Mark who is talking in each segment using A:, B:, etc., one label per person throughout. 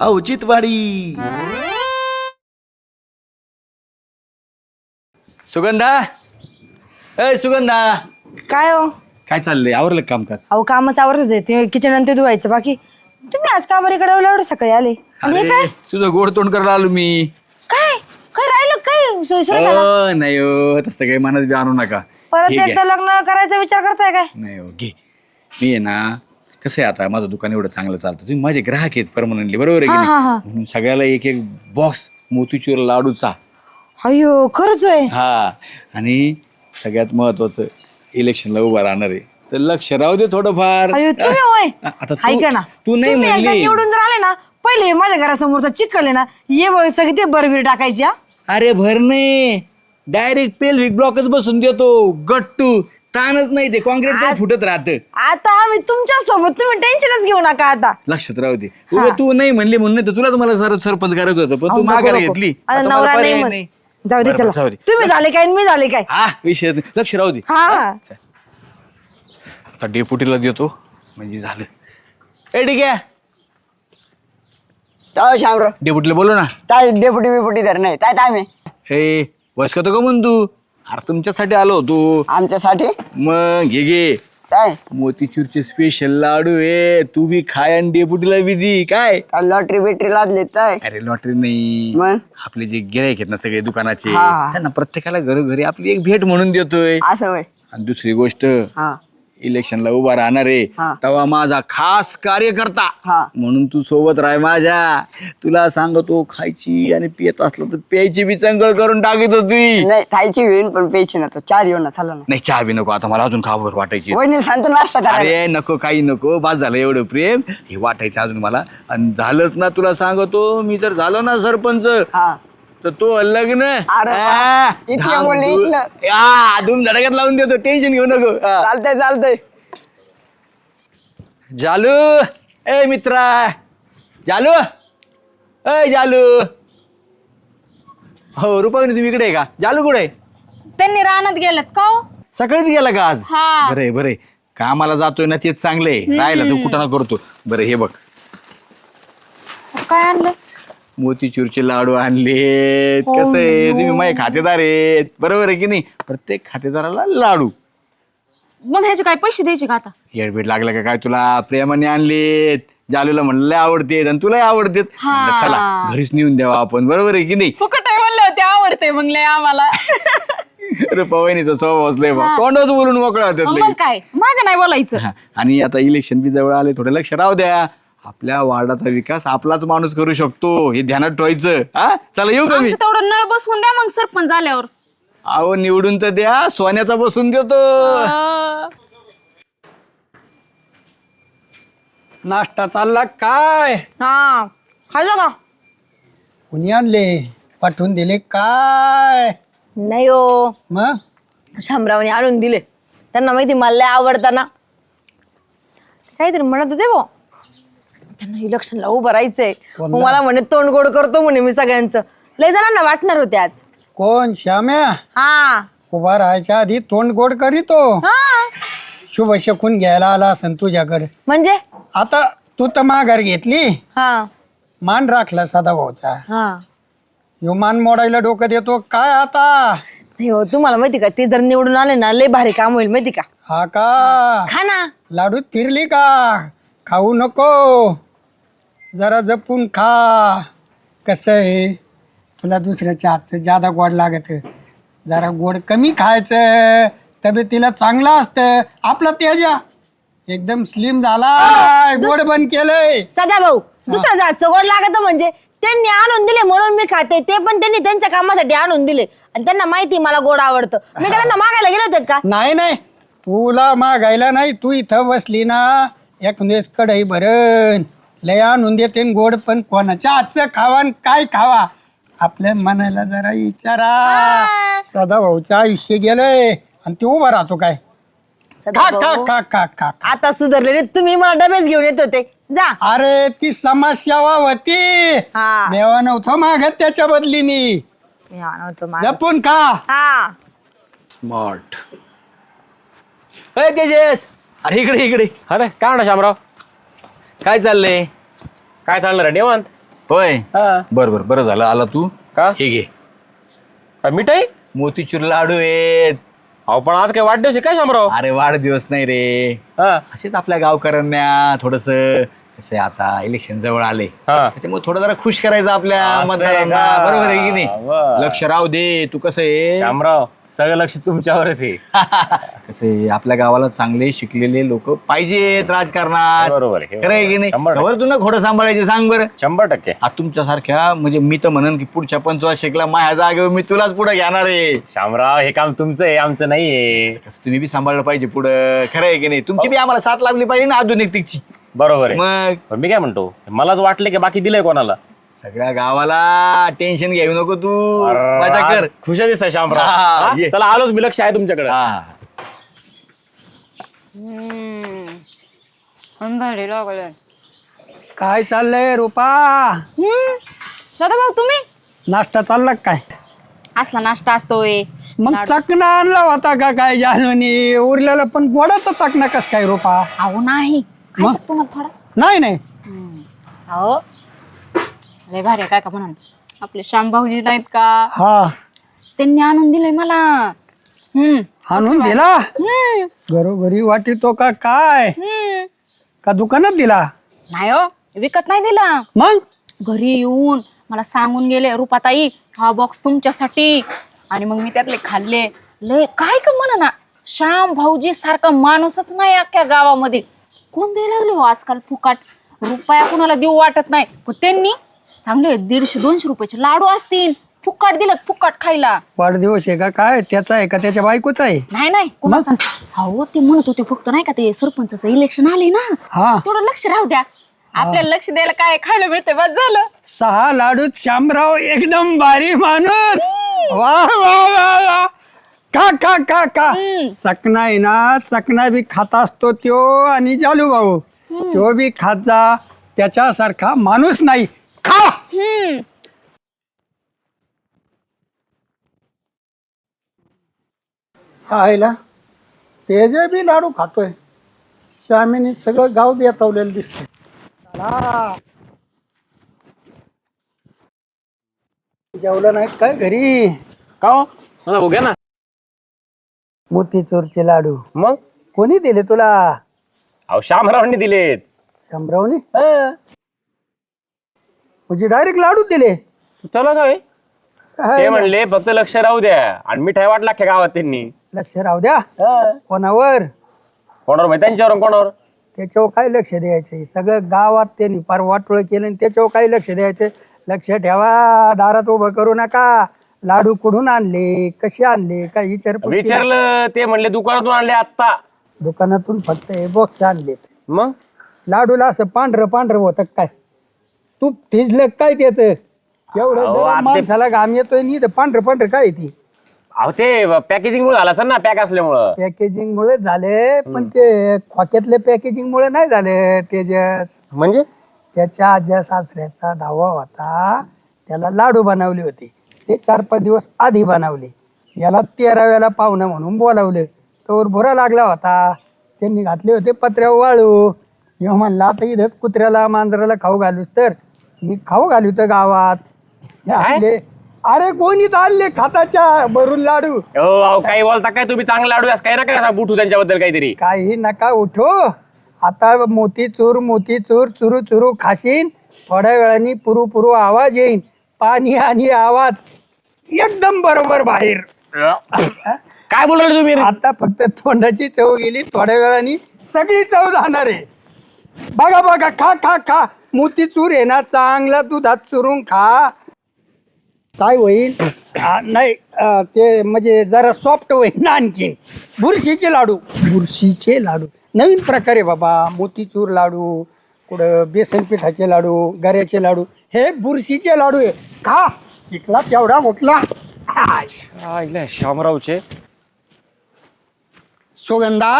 A: औचित्यवाडी.
B: सुगंधा, ए सुगंधा,
C: काय हो?
B: काय चाललंय? आवरलं काम कर.
C: अहो कामच आवरत होते, ते किचन आणि ते धुवायचं बाकी. तुम्ही आज का बरं इकडे एवढं सकाळी आले? आणि हे काय
B: तुझं गोड तोंड करायला आलो मी.
C: काय काय राहिलं काय सोयीस्कर झालं?
B: नाही हो, तसं काही मनात बी आणू नका.
C: परत
B: हे घ्या.
C: एकदा लग्न करायचा विचार करताय काय?
B: नाही हो, घे. मी आहे ना, कसं आहे आता माझं दुकान एवढं चांगलं चालतं, तुम्ही माझे ग्राहक आहेत परमनंटली, बरोबर आहे की
C: हा, हा, हा.
B: नाही? म्हणून सगळ्याला एक एक बॉक्स मोतीचूर लाडूचा.
C: अयो खरंच आहे.
B: हा, आणि सगळ्यात महत्वाचं इलेक्शनला उभा राहणार आहे, तर लक्ष राहू दे थोडंफार.
C: अयो तुम्ही होय.
B: आता
C: ऐका ना,
B: तू नाही
C: तुम्ही एकदा
B: म्हणली.
C: निवडून जर आले ना, पहिले हे माझ्या घरासमोरचा चिखल आहे ना, ये बघ सगळी ते बरबीर टाकायची. हा?
B: अरे भर नाही, डायरेक्ट पेल्विक ब्लॉकच बसून देतो. गट्टू ताणच नाही, ते कॉन्क्रीट पण फुटत राहतं.
C: आता आम्ही तुमच्या सोबत, तुम्ही टेन्शनच घेऊ नका आता.
B: लक्षात राहू दे. उगा तू नाही म्हणली म्हणून नाही तर तुलाच मला सरपंच करायचं होतं, पण तू
C: अहो,
B: माघार
C: नको,
B: घेतली.
C: आता
B: आता मला
C: नवरा
B: पर्याय
C: नाही
B: नाही.
C: म्हण. जाऊ दे
B: बरं,
C: चला.
B: जाऊ दे.
C: तुम्ही झाले काय आणि मी झाले काय?
B: हा, विषय नाही. लक्ष राहू दे.
C: हा.
B: आता डेपुटीला देतो म्हणजे झालं. ए ठीक आहे,
D: काय शामराव
B: डेपुटीला बोलो ना.
D: काय डेपुटी बिपुटी तर नाही काय आम्ही
B: हे वयस्क का म्हण तू? अरे तुमच्यासाठी आलो होतो.
D: आमच्यासाठी
B: मग घे
D: काय
B: मोतीचूरचे स्पेशल लाडू आहे, तू बी खाय आणि डेपुटीला बी दी. काय
D: काय लॉटरी बिटरी लादली काय
B: अरे लॉटरी नाही,
D: मग?
B: आपले जे गिरायक आहेत ना सगळे दुकानाचे,
D: हा.
B: त्यांना प्रत्येकाला घरोघरी आपली एक भेट म्हणून देतोय.
D: असं वय
B: आणि दुसरी गोष्ट,
D: हा
B: इलेक्शनला उभा राहणार आहे
D: हा.
B: तेव्हा माझा खास कार्यकर्ता
D: हा.
B: म्हणून तू सोबत राह माझ्या. तुला सांगतो, खायची आणि पियत असलं तर प्यायची बी चंगळ करून टाकीत होती.
D: नाही खायची होईन पण प्यायची ना, तो चार येऊ ना चालला ना.
B: नाही चहा बी नको आता, मला अजून खावर वाटायची.
D: वहिनी सांगतो नाश्ता करायला.
B: अरे नको, काही नको, बस झालं एवढं प्रेम. हे वाटायचं अजून मला. आणि झालंच ना, तुला सांगतो, मी जर झालो ना सरपंच,
D: हा
B: तर तो लग्न
D: अरे वा. इथलं बोलले, इथलं.
B: धूम धडक्यात लावून देतो, टेन्शन घेऊ नको. हा.
D: चालतंय चालतंय.
B: जालू, ए मित्रा, जालू, ए जालू. हो रुपाली, तुम्ही इकडे आहे का? जालू कुठे आहे?
E: त्यांनी रानात गेलेत का हो?
B: सकाळीच गेला का आज?
E: हा.
B: बरे बरे, कामाला जातोय ना तेच चांगलंय. राहिला तो कुठं ना करतो. बरं हे बघ,
E: काय आणलं?
B: मोतीचूरचे लाडू आणलेत. कसं आहे, तुम्ही माझे खातेदार आहेत, बरोबर आहे की नाही? प्रत्येक खातेदाराला लाडू.
E: मग ह्याचे काय पैसे द्यायचे का आता?
B: येडबीड लागला का काय तुला? प्रेमाने आणलेत. जालूला म्हणलं लय आवडतेत आणि तुलाही आवडतेत. म्हणलं चला घरीच नेऊन द्यावा आपण, बरोबर आहे की नाही?
E: फुकट आहे म्हणले होते, आवडते म्हणले आम्हाला.
B: अरे पवनीचा स्वभाव असलंय बा, तोंडात बोलून मोकळा होतात
E: मग
B: लगेच.
E: काय, माग नाही बोलायचं.
B: हा, आणि आता इलेक्शन बी जवळ आले, थोडं लक्ष राहू द्या. आपल्या वार्डाचा विकास आपलाच माणूस करू शकतो, हे ध्यानात ठेवायचं. हा चला, येऊ का मी?
E: आमचं तेवढं नळ बसवून द्या मग सरपंच झाल्यावर.
B: अहो निवडून तर द्या, सोन्याचा बसून देतो.
F: नाश्ता चालला काय?
C: हा खायचं का?
F: कुणी आणले? पाठवून दिले काय?
C: नाही हो,
F: मग
C: शामरावने आणून दिले. त्यांना माहिती मला लय आवडताना काहीतरी म्हणत होते भाऊ, त्यांना इलेक्शनला उभं राहायचंय. मग मला म्हणे तोंड गोड करतो म्हणे मी सगळ्यांचं. लय जणांना वाटणार होते आज.
F: कोण? श्याम्या
C: हा
F: उभा राहायच्या आधी तोंड गोड करीतो.
C: हा
F: शुभ शकून घ्यायला आला असन तुझ्याकडे.
C: म्हणजे
F: आता तू तर माघार घेतली,
C: हा
F: मान राखला सदाभाऊचा.
C: हा
F: ह्यो मान मोडायला डोकं देतो काय आता?
C: नाही हो, तुम्हाला माहिती का, ते जर निवडून आले ना लय भारी काम होईल माहिती का?
F: हा का?
C: खा ना.
F: लाडूत फिरली का? खाऊ नको, जरा जपून खा. कसं आहे, तुला दुसऱ्याच्या हातचं जादा गोड लागत, जरा गोड कमी खायचं, तब्येतीला चांगलं असतं. आपला तेजा एकदम स्लिम झाला, गोड बंद केलंय.
C: सदा भाऊ, दुसरं जातचं गोड लागत म्हणजे त्यांनी आणून दिले म्हणून मी खाते. ते पण त्यांनी त्यांच्या कामासाठी आणून दिले आणि त्यांना माहिती मला गोड आवडतं. मी का त्यांना मागायला गेले होते का?
F: नाही नाही, तुला मागायला नाही, तू इथं बसली ना, एक दिवस कढई भरण लय आणून देते न गोड, पण कोणाच्या आजचं खावा न काय खावा आपल्या मनाला जरा विचारा. सदाभाऊचं आयुष्य गेलंय आणि ते उभं राहतो काय? खा खा
C: सदाभाऊ,
F: खा खा खा.
C: आता सुधारलेले तुम्ही मला डबेच घेऊन येत होते. जा.
F: अरे ती समाजसेवा होती,
C: हा.
F: मेवा नव्हतं मागत त्याच्या बदली मी.
C: मी आणतो माझं.
F: जपून खा.
C: हा
B: स्मार्ट. अरे तेजस, अरे इकडे इकडे.
G: अरे काय म्हणा शामराव,
B: काय चाललंय?
G: काय चालणार आहे निवांत?
B: होय
A: हा.
B: बरं झालं आला तू.
A: का?
B: हे घे
A: काय मिठाई?
B: मोतीचूर लाडू आहेत.
A: अहो पण आज काय वाढदिवस आहे काय शामराव?
B: अरे वाढदिवस नाही रे,
A: हा
B: असेच आपल्या गावकऱ्यांना थोडस कसं आहे, आता इलेक्शन जवळ आले
A: हा.
B: त्याच्यामुळे थोडं जरा खुश करायचं आपल्या
A: असं आहे
B: मतदारांना.
A: का?
B: बरोबर आहे की नाही?
A: बरं.
B: लक्ष राहू दे. तू कसं आहे
A: शामराव सगळं लक्ष तुमच्यावरच आहे.
B: कसं आहे, आपल्या गावाला चांगले शिकलेले लोक पाहिजेत राजकारणात.
A: बरोबर आहे,
B: खरं आहे की नाही?
A: 100%.
B: खबर तू ना खोडं सांभाळायचे सांग बरं.
A: 100%.
B: आता तुमच्यासारख्या म्हणजे मी तर म्हणन की पुढच्या 25 माझ्या जागेवर मी तुलाच पुढे घेणार आहे.
A: शामराव हे काम तुमचं आहे, आमचं नाहीये.
B: कसं तुम्ही बी सांभाळलं पाहिजे पुढं. खरं आहे की नाही? तुमची बी आम्हाला साथ लागली पाहिजे ना आधुनिकतेची.
A: बरोबर आहे.
B: मग
A: पण मी काय म्हणतो, मलाच वाटलं की बाकी दिलंय कोणाला.
B: सगळ्या गावाला टेन्शन घेऊ नको तू. मजा कर.
A: खुश दिसत शामराव.
B: हा,
A: हा?
B: ये.
A: चला आलोच, मी लक्ष आहे तुमच्याकडे.
B: हा
F: काय चाललंय रुपा?
E: सदाभाऊ तुम्ही
F: नाश्ता चालला का काय?
E: असला नाश्ता असतोय.
F: मग चकना आणला होता का काय जानवनी? उरलेला पण गोडाचा चकना कस काय रुपा?
E: अहो नाही खायचं तुम्हाला थोडा.
F: नाही नाही
E: अहो लय भारी आहे, काय का म्हणून आपले श्यामभाऊजी नाहीत का,
F: हा
E: त्यांनी आणून दिलंय मला.
F: आणून दिला घरोघरी वाटितो का काय? का दुकानात दिला?
E: नाही हो, विकत नाही दिला.
F: मग
E: घरी येऊन मला सांगून गेले, रुपाताई हा बॉक्स तुमच्यासाठी. आणि मग मी त्यातले खाल्ले. लय काय का म्हणा ना, श्याम भाऊजी सारखा माणूसच नाही अख्ख्या गावामध्ये. कोण द्यायला लागले हो आजकाल फुकाट? रुपया कुणाला देऊ वाटत नाही, पण त्यांनी चांगले 150-200 रुपयाचे लाडू असतील फुकाट दिलं, फुकाट खायला.
F: वाढदिवस आहे का काय? त्याचा आहे का त्याच्या बायकोचा आहे?
E: नाही कुणाचा. हो ते म्हणत होते फक्त नाही का, ते सरपंचाचं इलेक्शन आले ना,
F: हा
E: थोडं लक्ष राहू द्या. आपल्याला लक्ष द्यायला काय खायला मिळते, बस झालं.
F: 6 लाडूत श्यामराव एकदम भारी माणूस. वा वा वा वा. का का का का चकना आहे ना, चकना बी खाता असतो त्यो, आणि जालू भाऊ तो बी खात जा. त्याच्यासारखा माणूस नाही. खा. खायला तेजे बी लाडू खातोय. श्यामीने सगळं गाव बेतावलेलं दिसतंय. जेवलं नाही काय घरी?
A: का हो? मला बघूया ना.
F: मोतीचूरचे लाडू
A: मग
F: कोणी दिले तुला?
A: अहो शामरावनी दिलेत.
F: शामरावने
A: हा.
F: म्हणजे डायरेक्ट लाडू दिले?
A: चला काय
F: काय
A: ते म्हणले फक्त लक्ष राहू द्या, आणि मिठाई वाटला अख्ख्या गावात त्यांनी.
F: लक्ष राहू द्या.
A: हा.
F: कोणावर?
A: कोणावर माहिती? त्यांच्यावर कोणावर?
F: त्याच्यावर काय लक्ष द्यायचे? सगळं गावात त्यांनी फार वाटोळ केलं आणि त्याच्यावर काय लक्ष द्यायचे? लक्ष ठेवा. दारात उभं करू नका. लाडू कुठून आणले, कसे आणले, काय
A: विचारलं ते म्हणले दुकानातून आणले आत्ता.
F: दुकानातून फक्त हे बॉक्स आणलेत.
A: मग
F: लाडूला असं पांढरं पांढरं होतं काय? तूप थिजलं काय त्याच? एवढं
A: अहो,
F: गरम
A: आता ते-
F: माणसाला घाम येतोय नी पांढरं पांढरं काय ती?
A: अहो ते पॅकेजिंग मुळे झालं असेल ना, पॅक असल्यामुळं.
F: पॅकेजिंग मुळे झाले, पण ते खोक्यातले पॅकेजिंग मुळे नाही झाले. तेजस
A: म्हणजे
F: त्याच्या आज्या सासऱ्याचा धावा होता, त्याला लाडू बनवले होते. ते 4-5 दिवस आधी बनवले. याला 13व्याला पाहुणं म्हणून बोलावलं. तोवर भुरा लागला होता. त्यांनी घातले होते पत्र्यावर वाळू. जेव्हा म्हणला आता इथंच कुत्र्याला मांजराला खाऊ घालूस, तर मी खाऊ घालू तर गावात. हे आणले. अरे कोणी आणले खाताच्या भरून लाडू?
A: हो अहो काही बोलता काय तुम्ही? चांगला लाडू असं काही ना काय असं बुटू त्यांच्याबद्दल काहीतरी.
F: काही नका उठो. आता मोतीचूर मोतीचूर चुरू चुरू खाशीन. थोड्या वेळाने पुरू पुरू आवाज येईन. पाणी आणि आवाज एकदम बरोबर बाहेर.
A: काय बोलाल तुम्ही?
F: आता फक्त तोंडाची चव गेली, थोड्या वेळाने सगळी चव जाणार आहे. बघा बघा, खा खा खा. मोतीचूर आहे ना, चांगला दुधात चुरून खा. काय होईल? नाही ते म्हणजे जरा सॉफ्ट होईल ना आणखीन. बुरशीचे लाडू, बुरशीचे लाडू नवीन प्रकारे बाबा. मोतीचूर लाडू, कुठं बेसन पिठाचे लाडू, गऱ्याचे लाडू, हे बुरशीचे लाडू आहे. खा. शिकला तेवढा उठला.
A: शामरावचे
F: सुगंधा,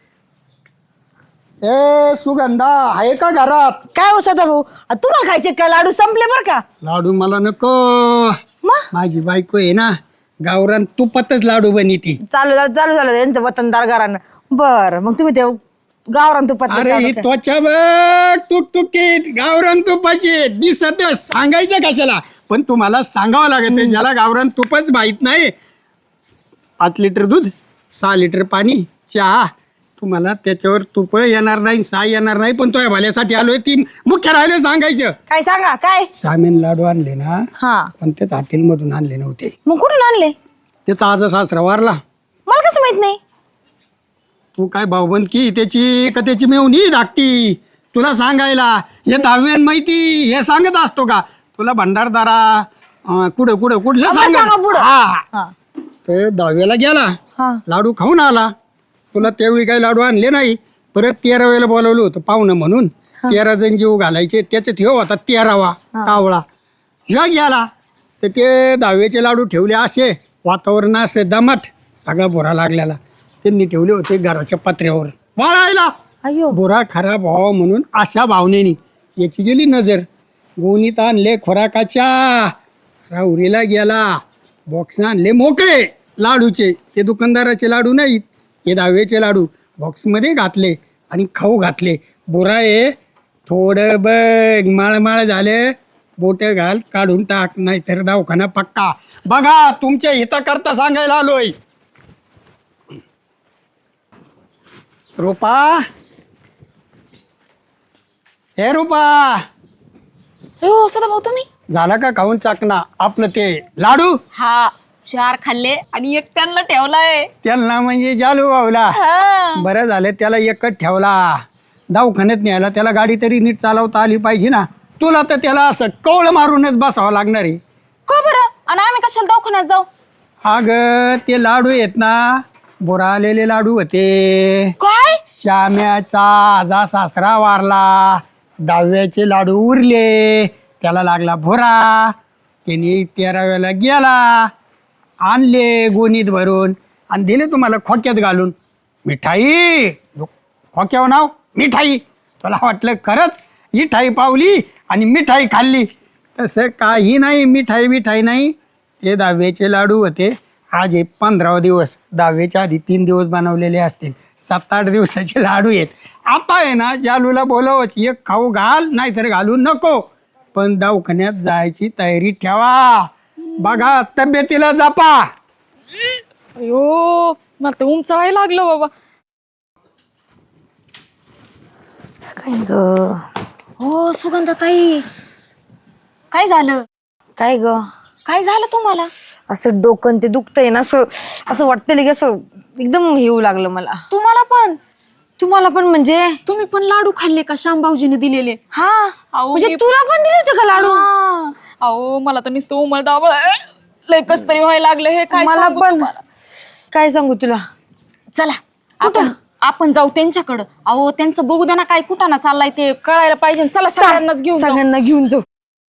F: ए सुगंधा आहे का घरात?
C: काय हो सदाभाऊ, तुम्हाला खायचे काय लाडू? संपले बरं का?
F: लाडू मला नको.
C: मग
F: माझी बायको आहे ना, गावरान तुपातच लाडू बनिती.
C: चालू झालं त्यांचं वतनदार घरानं. बरं, मग तुम्ही ते गावरान तुपात
F: अरे ही त्वचा बघ तुकतुकीत गावरान तुपाची दिसत सांगायचं कशाला, पण तुम्हाला सांगावं लागत आहे. ज्याला गावरान तुपच माहित नाही, 5 लिटर दूध 6 लिटर पाणी चहा, तुम्हाला त्याच्यावर तुप येणार नाही, साय येणार नाही, पण तो या भाल्यासाठी आलोय. ती मुख्य राहिले सांगायचं.
C: काय सांगा काय?
F: सामीन लाडू आणले ना,
C: हा
F: पण तेच हॉटेलमधून आणले नव्हते.
C: मग कुठून आणले?
F: त्याचा आज सासरा वारला.
C: मला कसं माहित नाही?
F: तू काय भाऊबंद की त्याची का त्याची मेवणी धाकटी तुला सांगायला? हे 10वी माहिती हे सांगत असतो का तुला? भंडारदारा कुठं कुठं कुठलं
C: सांगा
F: सांग.
C: पुढं.
F: हा
C: हा
F: ते 10वीला गेला,
C: हा
F: लाडू खाऊन आला. तुला त्यावेळी काही लाडू आणले नाही. परत 13वेला बोलवलं होतं पाहुणं म्हणून. 13 जण जीव घालायचे, त्याच्यात ह्यो होता 13वा कावळा. ह्यो गेला तर ते 10वीचे लाडू ठेवले असे, वातावरण असे दमट, सगळा बोरा लागलेला. त्यांनी ठेवले होते घराच्या पत्र्यावर वाळायला.
C: अयो
F: बोरा खराब व्हावा म्हणून अशा भावनेनी याची गेली नजर. गोणीत आणले खोराकाच्या, राहुरीला गेला, बॉक्स आणले मोकळे लाडूचे. ते दुकानदाराचे लाडू नाहीत, हे 10वीचे लाडू बॉक्समध्ये घातले आणि खाऊ घातले. बोरा आहे थोडं बघ, माळमाळ झाले, बोट घाल काढून टाक, नाहीतर दवाखाना पक्का. बघा तुमच्या हिताकरता सांगायला आलोय. रूपा, हे रूपा,
E: हो सदाभाऊ तुम्ही?
F: झाला का खाऊन चाकणा आपलं ते लाडू?
E: हा 4 खाल्ले आणि एक त्यांना ठेवलाय.
F: त्यांना म्हणजे जालू गावला.
E: हा.
F: बरं झालं त्याला एकच ठेवला. दवाखान्यात न्यायला त्याला गाडी तरी नीट चालवता आली पाहिजे ना. तुला तर त्याला असं कवळ मारूनच बसावं लागणार आहे.
E: का बरं? आणि आम्ही कशाला दवाखान्यात जाऊ?
F: अगं ते लाडू आहेत ना, बोरा आलेले लाडू होते.
E: काय?
F: श्याम्याचा आजा सासरा वारला, 10व्याचे लाडू उरले, त्याला लागला भोरा. त्याने 13व्याला गेला, आणले गोणीत भरून आणि दिले तुम्हाला खोक्यात घालून. मिठाई खोक्यावर नाव मिठाई. तुला वाटलं खरंच मिठाई पावली आणि मिठाई खाल्ली? तसं काही नाही, मिठाई नाही. ते 10व्याचे लाडू होते. आज हे 15वा दिवस, 10व्याच्या आधी 3 दिवस बनवलेले असतील. 7-8 दिवसाचे लाडू आहेत. आता आहे ना जालूला बोलवत, एक खाऊ घाल नाहीतर घालू नको, पण दवाखान्यात जायची तयारी ठेवा. बघा तब्येतीला जपा.
E: अयो मला तर उंचाळायला लागलं बाबा.
C: काय ग?
E: हो सुगंधाताई, काय झालं?
C: काय ग?
E: काय झालं तुम्हाला?
C: असं डोकं ते दुखतंय ना, असं असं वाटतं की असं एकदम येऊ लागलं मला.
E: तुम्हाला पण?
C: तुम्हाला पण म्हणजे?
E: तुम्ही पण लाडू खाल्ले का श्यामभाऊजीने दिलेले?
C: हा
E: अहो,
C: म्हणजे
E: मी-
C: तुला पण दिले होते का लाडू?
E: हा. अहो मला तर नुसतं उमळदावळ लय कस तरी व्हायला लागलं. हे काय
C: मला
E: सांगू
C: पण.
E: तुम्हाला?
C: काय सांगू तुला?
E: चला आपण जाऊ त्यांच्याकडं. अहो त्यांचं बघू द्या ना, काय कुठाना चाललाय ते कळायला पाहिजे. चला सगळ्यांनाच घेऊन जाऊ.
C: सगळ्यांना घेऊन जाऊ.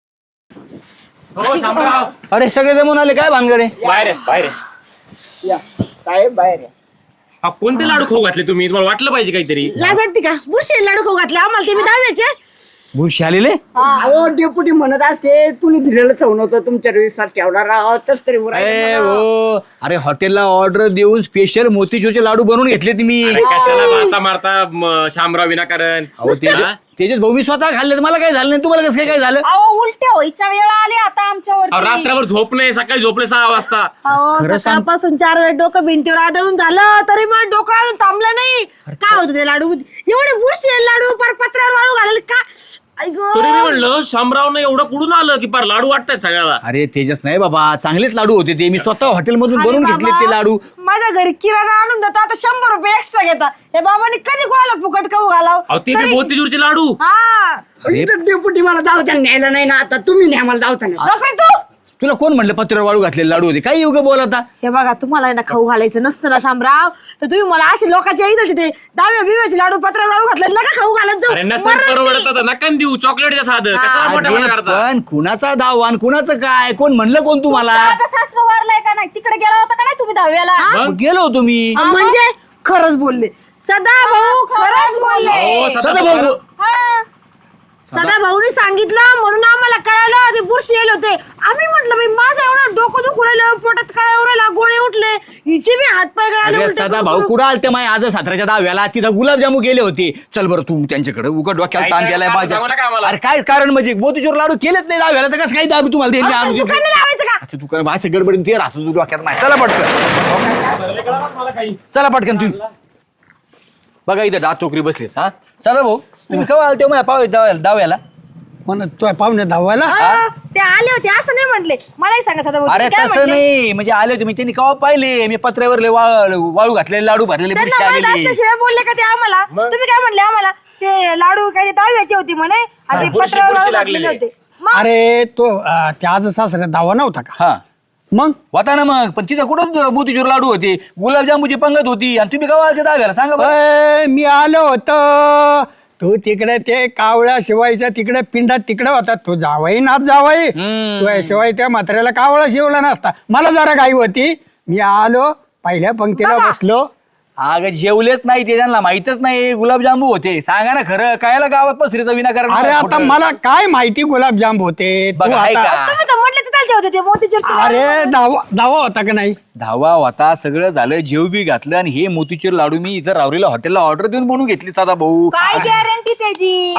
A: हो शामराव,
B: अरे सगळे जमून आले काय भानगडे?
A: बाहेर आहे, बाहेर आहे.
D: साहेब बाहेर आहे.
A: हा, कोणते लाडू खाऊ घातले तुम्ही? तुम्हाला वाटलं पाहिजे काहीतरी.
C: लाज वाटते का? बुरशी लाडू खाऊ घातले आम्हाला, ते मी 10व्याचे.
B: भुशी आलेले?
D: अहो डेपुटी म्हणत असते तुम्ही दिलेलं ठेवून होतं तुमच्या विश्वास ठेवणार आहोत तस तरी
B: ए हो, अरे हॉटेलला ऑर्डर देऊन स्पेशल मोतीचूरचे लाडू बनवून घेतले तुम्ही.
A: अरे कशाला मारता मारता शामराव विनाकारण?
B: अहो तेजस भाऊ मी स्वतः खाल्ले, मला काय झालं नाही, तुम्हाला कसं काय झालं?
E: अहो उलट्या व्हायच्या वेळा आली आता आमच्यावर.
A: अहो, रात्रभर झोप नाही, सकाळी झोपले 6 वाजता.
C: अहो सकाळपासून 4 वेळा डोकं भिंतीवर आदळून झालं तरी मग डोकं अजून थांबलं नाही. काय होतं ते लाडू? एवढे बुरशी लाडू पर पत्र्यावर वाळू घालायला का?
A: तरी मी म्हणलं शामरावनं एवढं कुठून आलं की पार लाडू वाटतायत सगळ्याला.
B: अरे तेजस नाही बाबा, चांगलेच लाडू होते ते. मी स्वतः हॉटेलमधून बनवून घेतले ते लाडू.
C: माझ्या घरी किराणा आणून देता, आता 100 रुपये एक्स्ट्रा घेता. हे बाबांनी कधी कोणाला फुकट खाऊ घालाव?
A: अहो ते बी मोतीचूरचे लाडू.
C: हा
D: इथं डेपुटी मला धावताना न्यायला नाही ना, आता तुम्ही न्या मला धावताना.
C: नोकरी तू.
B: तुला कोण म्हणलं पत्र्यावर वाळू घातलेले लाडू होते? काही योग्य बोलता.
C: हे बघा तुम्हाला आहे ना खाऊ घालायचं नसतं ना शामराव, तर तुम्ही मला असे लोकांच्या इथं ते 10व्या बिव्याचे लाडू पत्र्यावर वाळू घातले नका खाऊ घालत
A: अरे
C: जाऊ.
A: नसेल परवडत आता नका देऊ. चॉकलेटच्या साधं कसा मोठ्या
B: अरे
A: मोठ्या करता?
B: पण कुणाचा दावान कुणाचं काय? कोण म्हणलं कोण तुम्हाला?
E: माझा सासरा वारलाय का नाही? तिकडे गेला होता का नाही तुम्ही 10व्याला?
B: मग गेलो होतो मी.
C: म्हणजे खरंच बोलले सदा भाऊ, खरंच बोलले.
A: अहो,
B: सदा भाऊ.
E: हा.
C: सदा भाऊनी सांगितलं म्हणून आम्हाला कळालं ते बुरशी येले होते. आम्ही म्हटलं बाई माझं एवढं डोकं दुखू राहिलं, पोटात कळा उरायला, गोळे उठले, हिचे बी हात पाय गळाले.
B: अरे
C: उलटे
B: सदा
C: करू
B: भाऊ
C: करू.
B: कुठं आलते माय आज 17च्या 10व्याला तिथं गुलाबजामू गेले होते. चल बरं तू त्यांच्याकडे उघड डोक्याला ताण
A: काय
B: केलाय
A: कारण
B: माझ्या.
A: सांगू नका आम्हाला.
B: अरे काय कारण म्हणजे मोतीचूर लाडू केलेच नाही 10व्याला तर कसं काय दाबी तुम्हाला देईल मी
C: अहो,
B: आणून
C: दुकान नाही लावायचं का?
B: अच्छा दुकान असं गडबडीन ते राहतो तू डोक्यात नाही. चला पटकन
A: मला काही
B: चला पटकन तुम्ही बघा इथं डाक चोकरी बसलीत. हा सदा भाऊ तुम्ही केव्हा आलते माझ्या पाव दाव्याला?
F: म्हणत तो पाहुणे धावायला
C: हा, ते आले होते असं नाही म्हटले. मलाही सांगा सदा भाऊ,
B: अरे
C: तुम्ही काय
B: तसं
C: म्हटले?
B: नाही म्हणजे आले होते मी त्यांनी केव्हा पाहिले मी पत्र्यावर वाळू घातलेले लाडू भरलेले
C: त्यांना
B: पुरुष
C: मला
B: आलेले.
C: जास्त शिवाय बोलले का ते आम्हाला? तुम्ही काय म्हणले आम्हाला? ते लाडू काय दहाव्याचे होते म्हणे आणि
A: बुरशी-
C: पत्रावर
A: बुरशी
C: लाडू घातलेले
A: लागलेले.
C: होते. मग
F: अरे तो त्या आज सासऱ्या धावा नव्हता का?
B: हा
F: मग
B: होता ना मग पण तिथं कुठं मोतीचूर लाडू होते गुलाबजामुची पंगत होती आणि तुम्ही केव्हा आलते दाव्याला सांगा बरं.
F: अय, मी आलो होतो. तू तिकडे ते कावळ्या शिवायच्या तिकडे पिंडात तिकडे होता. तू जावाई नाच जावाई
B: हम्म.
F: तू शिवाय त्या म्हाताऱ्याला कावळा शिवला नसता. मला जरा घाई होती. मी आलो पहिल्या पंक्तीला बसलो.
B: अगं जेवलेच नाही ते त्यांना माहितच नाही गुलाबजामू होते. सांगा ना खरं कायला गावात पसरीचा विनाकारण
F: अरे आता मला काय माहिती गुलाबजाम होते. तू
B: बघा,
F: आता-
B: ऐका.
C: तुम्ही तर म्हटले तिथालचे होते ते मोतीचूर.
F: अरे धावा होता का नाही?
B: धावा होता सगळं झालं जेव बी घातलं आणि हे मोतीचूर लाडू मी इथं रावरीला हॉटेलला ऑर्डर देऊन बनवून घेतली सदा भाऊ.
E: काय गॅरंटी त्याची?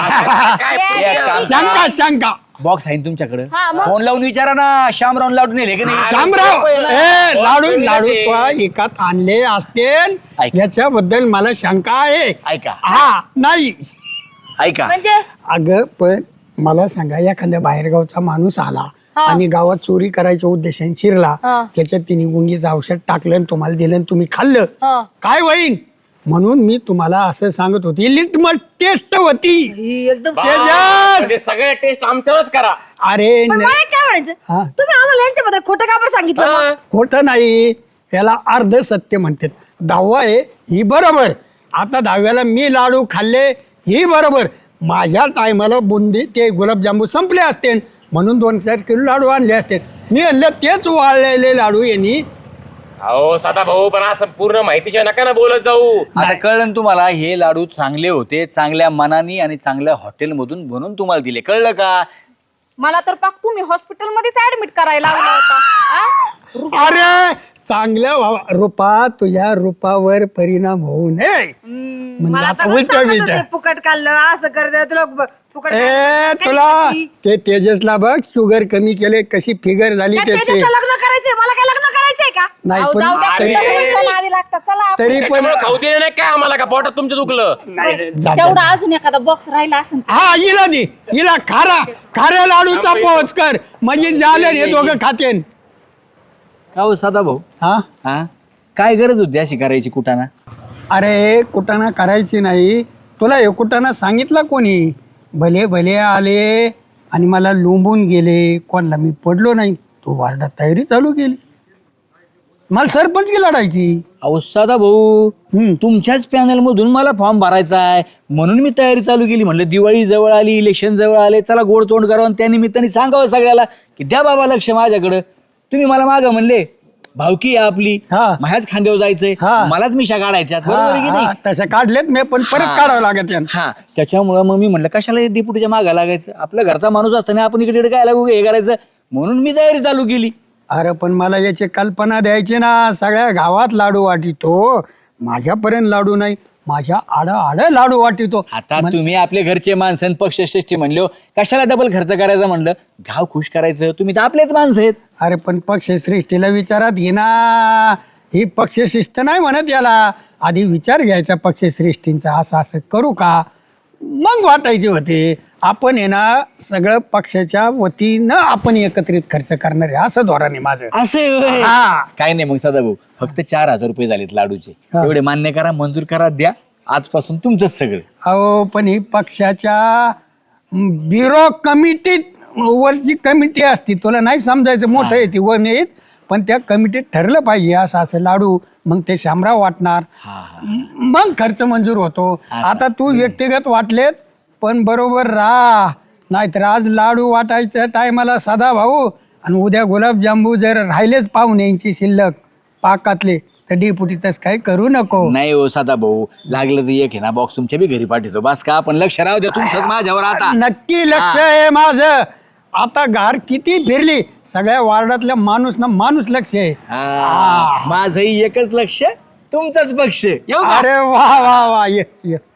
B: एक काम
F: शंका शंका
B: बॉक्स आहे ना तुमच्याकडे
E: हा, मग?
B: फोन लावून विचारा ना शामराव लाडू नेले की नाही
F: शामराव ए लाडू लाडू तू एकात आणले असते
B: ऐक.
F: याच्याबद्दल मला शंका आहे.
B: ऐका
F: हा नाही
B: ऐका
C: म्हणजे
F: अगं पण मला सांगा एखाद्या बाहेरगावचा माणूस आला आणि गावात चोरी करायच्या उद्देशाने शिरला
C: हा.
F: त्याच्यात तिने गुंगीचं औषध टाकलं आणि तुम्हाला दिलं आणि तुम्ही खाल्लं
C: हा.
F: काय होईन? म्हणून मी तुम्हाला असं सांगत होती लिटमस टेस्ट होती.
C: ही एकदम
F: तेजस!
A: म्हणजे सगळे टेस्ट आमच्यावरच करा.
F: अरे
C: पण मला एक काय म्हणायचं,
F: हा.
C: तुम्ही आम्हाला यांच्याबद्दल खोटं का बरं सांगितलं मग?
A: हा.
F: खोटं नाही याला अर्ध सत्य म्हणतात. दहावा आहे ही बरोबर. आता दहाव्याला मी लाडू खाल्ले ही बरोबर. माझ्या टायमाला बुंदी ते गुलाबजांबू संपले असते म्हणून 2-4 किलो लाडू आणले असते. मी आणलं तेच वाळलेले लाडू यांनी.
A: अहो सदा भाऊ पण असं पूर्ण माहितीशिवाय नका ना बोलत जाऊ.
B: आता कळलं ना तुम्हाला हे लाडू चांगले होते चांगल्या मनाने आणि चांगल्या हॉटेलमधून बनवून तुम्हाला दिले कळलं का?
E: मला तर पाक तुम्ही हॉस्पिटलमध्येच ऍडमिट करायला लावला होता. आ?
F: अरे चांगल्या रूपा तुझ्या रूपावर परिणाम होऊ नये म्हणजे
C: मला
F: आता
C: तर
F: उलट
C: सांगत
F: विचार.
C: होते, फुकट खाल्लं असं करत तुला फुकट
F: ए
C: खाल्लं.
F: तुला
C: काय
F: ते तेजसला बघ शुगर कमी केले कशी फिगर झाली
C: त्या
F: त्याची.
C: तेजसला लग्न करायचंय, मला काय लग्न करायचंय का?
F: नाही
E: अहो,
F: पण
E: जाऊ द्या,
F: तरी
E: तुमच्या आधी लागतात. चला आपण.
F: तरी पण
A: त्याच्यामुळे खाऊ दिले नाही काय आम्हाला का पोटात तुमचं दुखलं?
F: जा, जा,
E: तेवढा
F: जा.
E: अजून एखादा बॉक्स राहिला असेल.
F: हा हिला दे हिला खाऱ्या लाडूचा पोच कर म्हणजे झालं हे दोघं खातेन.
B: का हो सदा भाऊ
F: हा
B: हा काय गरज होती अशी करायची कुटाना?
F: अरे कुटाणा करायची नाही. तुला हे कुटाणा सांगितला कोणी? भले भले आले आणि मला लोंबून गेले. कोणाला मी पडलो नाही. तू वार्डात तयारी चालू केली. मला सरपंच की लढायची.
B: अहो सदा भाऊ
F: हम्म.
B: तुमच्याच पॅनल मधून मला फॉर्म भरायचा आहे म्हणून मी तयारी चालू केली. म्हणलं दिवाळी जवळ आली इलेक्शन जवळ आले चला गोड तोंड करावं आणि त्या निमित्ताने सांगावं सगळ्याला की द्या बाबा लक्ष माझ्याकडं. तुम्ही मला मागं म्हणले भावकी आहे आपली
F: हा.
B: माझ्याच खांद्यावर जायचंय
F: हा.
B: मलाच मिशा काढायच्या बरोबर आहे की नाही?
F: तशा काढलेत मी पण परत काढावं लागत यानं.
B: हा त्याच्यामुळं मग मी म्हणलं कशाला डेपुटीच्या मागा लागायचं आपल्या घरचा माणूस असताना आपण इकडे काय लागू हे करायचं म्हणून मी तयारी चालू केली.
F: अरे पण मला याची कल्पना द्यायची ना. सगळ्या गावात लाडू वाटितो माझ्यापर्यंत लाडू नाही. माझ्या आड लाडू वाटितो.
B: आता तुम्ही आपले घरचे माणसं पक्षश्रेष्ठी म्हणलो कशाला डबल खर्च करायचा म्हणलं गाव खुश करायचं तुम्ही तर आपलेच माणसं आहेत.
F: अरे पण पक्षश्रेष्ठीला विचारात घे ना. ही पक्षशिस्त नाही म्हणत याला. आधी विचार घ्यायचा पक्षश्रेष्ठींचा असं असं करू का मग वाटायचे होते. आपण आहे ना सगळं पक्षाच्या वतीनं आपण एकत्रित खर्च करणार आहे असं धोरण आहे माझं.
B: असं
F: हा.
B: काय नाही मग सदा भाऊ फक्त 4,000 रुपये झालेत लाडूचे
F: हा.
B: एवढे मान्य करा मंजूर करा द्या आजपासून तुमचंच सगळं.
F: अहो पण ही पक्षाच्या ब्युरो कमिटीत वरची कमिटी असती. तुला नाही समजायचं मोठं आहे ती वर नाहीत पण त्या कमिटीत ठरलं पाहिजे असं असं लाडू. मग ते शामराव वाटणार मग खर्च मंजूर होतो. आता तू व्यक्तिगत वाटलेत पण बरोबर राह नाहीतर आज लाडू वाटायच्या टायमाला सदा भाऊ आणि उद्या गुलाबजांबू जर राहिलेच पाहुण्यांची शिल्लक पाकातले तर डेपुटी तस काही करू नको.
B: नाही हो साधा भाऊ, लागलं तर एक आहे ना बॉक्स तुमच्या बी घरी पाठवतो. बस का आपण लक्ष राहू द्या तुमचं माझ्यावर आता.
F: नक्की लक्ष आहे माझं. आता घार किती फिरली सगळ्या वार्डातल्या माणूस ना माणूस लक्ष आहे.
B: माझंही एकच लक्ष, तुमचाच पक्ष. येऊ का?
F: अरे वा वा वा ये ये